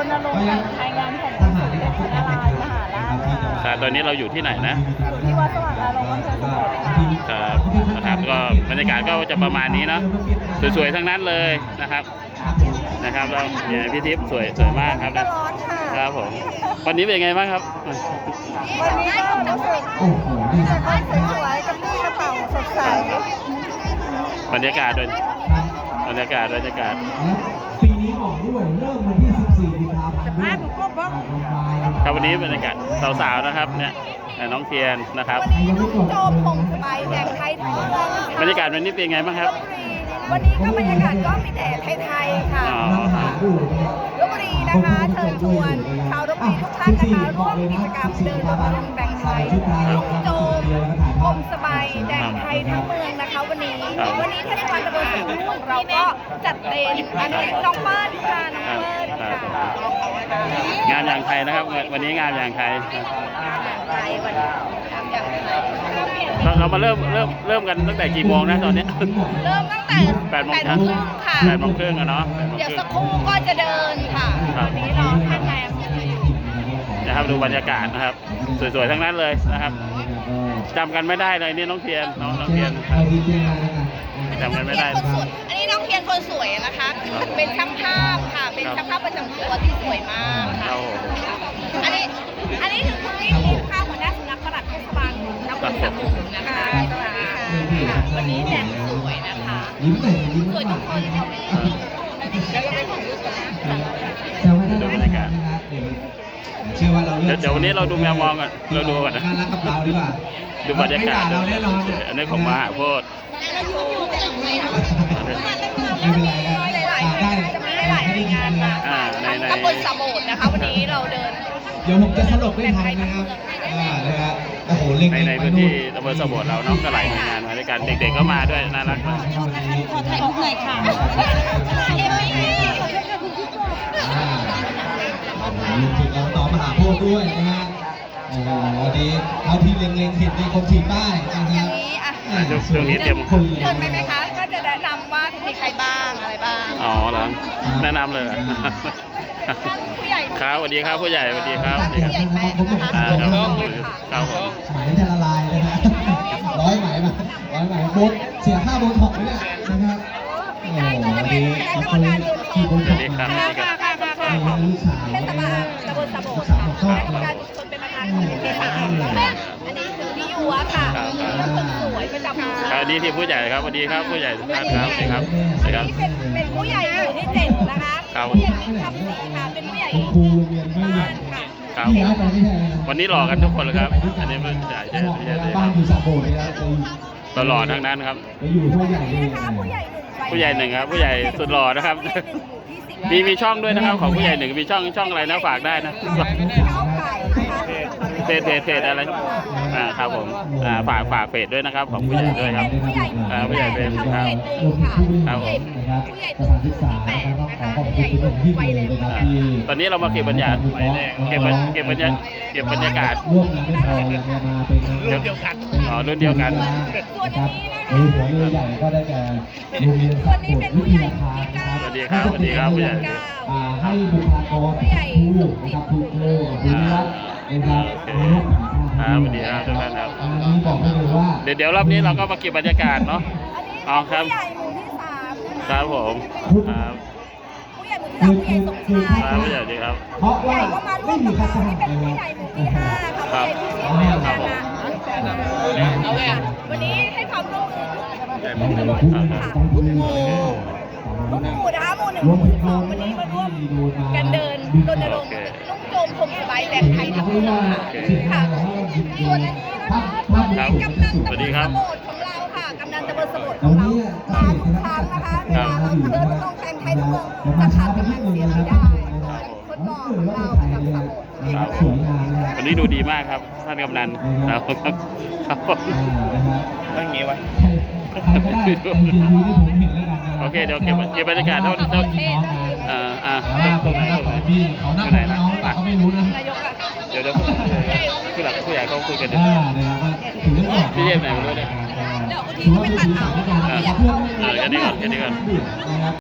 ณรงค์การใช้งานแผ่นดินสุดเด็ดนารายณ์มหาราชค่ะตอนนี้เราอยู่ที่ไหนนะอยู่ที่วัดสว่างอารมณ์อำเภอสมุทรค่ะครับนะครับก็บรรยากาศก็จะประมาณนี้เนาะสวยๆทั้งนั้นเลยนะครับแล้วเนี่ยพี่ทิพย์สวยมากครับนะคร้อนค่ะรับผมวันนี้เป็นไงบ้างครับวันนี้ก็รู้สึกแต่บ้านสวยๆกระปี้กระเป๋าสดใสบรรยากาศปีนี้บอกด้วยเริ่มวันที่14กุมภาพันธ์ด้วยครับวันนี้บรรยากาศสาวๆนะครับเนี่ยน้องเทียนนะครับโจมผงสบายแดงไทยทั้งเมืองนะคะบรรยากาศวันนี้เป็นไงบ้างครับวันนี้ก็บรรยากาศก็มีแต่ไทยๆค่ะลพบุรีนะคะเชิญชวนชาวลพบุรีทุกท่านนะคะร่วมกิจกรรมเดินรณรงค์แบ่งไทยลุกโจมกลมสบายแดงไทยทั้งเมืองนะคะวันนี้เทศบาลตำบลสมุทรของเราก็จัดเต็มอันนี้น้องเปิ้ลค่ะน้องเปิ้ลค่ะงานอย่างไทยนะครับวันนี้งานอย่างไทยเรามาเริ่มกันตั้งแต่กี่โมงนะตอนนี้เริ่มตั้งแต่8 โมงค่ะ 8 โมงครึ่งอะเนาะเดี๋ยวสักครู่ก็จะเดินค่ะวันนี้เราท่านนายอำเภออยู่นะครับดูบรรยากาศนะครับสวยๆทั้งนั้นเลยนะครับจำกันไม่ได้เลยนี่น้องเทียนจำกันไม่ได้อันนี้น้องเทียนคนสวยนะคะเป็นช่างภาพค่ะเป็นช่างภาพประจำตัวที่สวยมากค่ะอันนี้คือคุณนี่ค่ะหัวหน้าสำนักปลัดเทศบาลนครสมุทรนะคะสวัสดีค่ะวันนี้แต่งสวยนะคะสวยทุกคนดูบรรยากาศเชื่อว่าเราเดี๋ยววันนี้เราดูแมวมองกันเราดูก่อนนะน่ารักกับเราดีกว่าดูบรรยากาศอันนี้ของมหาโพธิ์ไม่เป็นไรได้หลายงานมาตำบลสมุทรนะคะวันนี้เราเดินเดี๋ยวผมจะสรุปให้ทันนะครับนะครับโอ้โหเล่นในพื้นที่ตำบลสมุทรเราเนาะก็หลายหน่วยงานมาด้วยกันเด็กๆก็มาด้วยน่ารักมากขอถ่ายรูปหน่อยค่ะลุงถึงเราต่อมหาโพธิ์ด้วยนะฮะโอ้โหวันนี้เอาที่เล็งๆเห็นในคนถีบป้ายนะครับช่วงนี้เตรียมเดินไปไหมคะก็จะแนะนำว่ามีใครบ้างอะไรบ้างอ๋อเหรอแนะนำเลยผู้ใหญ่ครับสวัสดีครับผู้ใหญ่สวัสดีครับผู้ใหญ่แม่นะคะครับหมายจะละลายเลยนะร้อยไหมโบนเสียค่าโบนถอกไปเนี่ยนะครับโอ้โหวันนี้เราเคยขี่โบนถอกมาลูกสาวเทศบาลตำบลสมุทรค่ะคณะกรรมการชุมชนเป็นประธานของเทศบาลอันนี้คือพี่ยัวค่ะคนสวยประจำหมู่บ้านอันนี้ที่ผู้ใหญ่ครับสวัสดีครับผู้ใหญ่ทุกท่านครับสวัสดีครับเป็นผู้ใหญ่หมู่ที่7นะคะผู้ใหญ่ทำสีค่ะเป็นผู้ใหญ่บ้านค่ะครับวันนี้หล่อกันทุกคนเลยครับอันนี้ผู้ใหญ่บ้านอยู่สระโบดเลยนะตลอดทั้งนั้นครับไปอยู่ผู้ใหญ่เลยผู้ใหญ่หนึ่งครับผู้ใหญ่สุดหล่อนะครับมีช่องด้วยนะครับของผู้ใหญ่หนึ่งมีช่องอะไรนะฝากได้นะเพจอะไรครับผมฝากเพจด้วยนะครับของผู้ใหญ่ด้วยครับผู้ใหญ่เป็นครับครับผมตอนนี้เรามาเก็บบรรยากาศเก็บบรรยากาศร่วมงานไม่พอยังมาเป็นรุ่นเดียวกันรุ่นเดียวกันนะครับหัวเรือใหญ่ก็ได้แก่โรงเรียนสัตว์วิทยาคารนะครับสวัสดีครับผู้ใหญ่ให้บุคลากรครูนะครับครูครูนะครับสวัสดีครับทุกท่านครับนี่บอกได้เลยว่าเดี๋ยวรอบนี้เราก็มาเก็บบรรยากาศเนาะอ๋อครับครับผมครับผู้ใหญ่สมชายผู้ใหญ่ดีครับเพราะว่าไม่มีคัสหะเลยครับวันนี้ให้ความร่วมมือทุกหมู่นะคะหมู่1 หมู่ 12วันนี้มาร่วมกันเดินรณรงค์นุ่งโจมผมสบายแดงไทยทั้งเมืองค่ะส่วนนี้นะคะกำนันตำบลสมุทรของเราค่ะกำนันตำบลสมุทรของเรามาทุกครั้งนะคะเวลาเราเดินรณรงค์แดงไทยทั้งเมืองจะขาดกำนันเสียไม่ได้คนบอกของเราประจำสมุทรวันนี้ดูดีมากครับท่านกำนันครับตั้งงี้ไว้โอเคเดี๋ยวเก็บบรรยากาศเท่าผมนะเขาหน้าน้องเขาไม่รู้นะเดี๋ยวผู้ใหญ่เขาคุยกันพี่เยี่ยมไหนไม่รู้เนี่ยเดี๋ยวทีนี้ไปตัดเอาแค่นี้ก่อน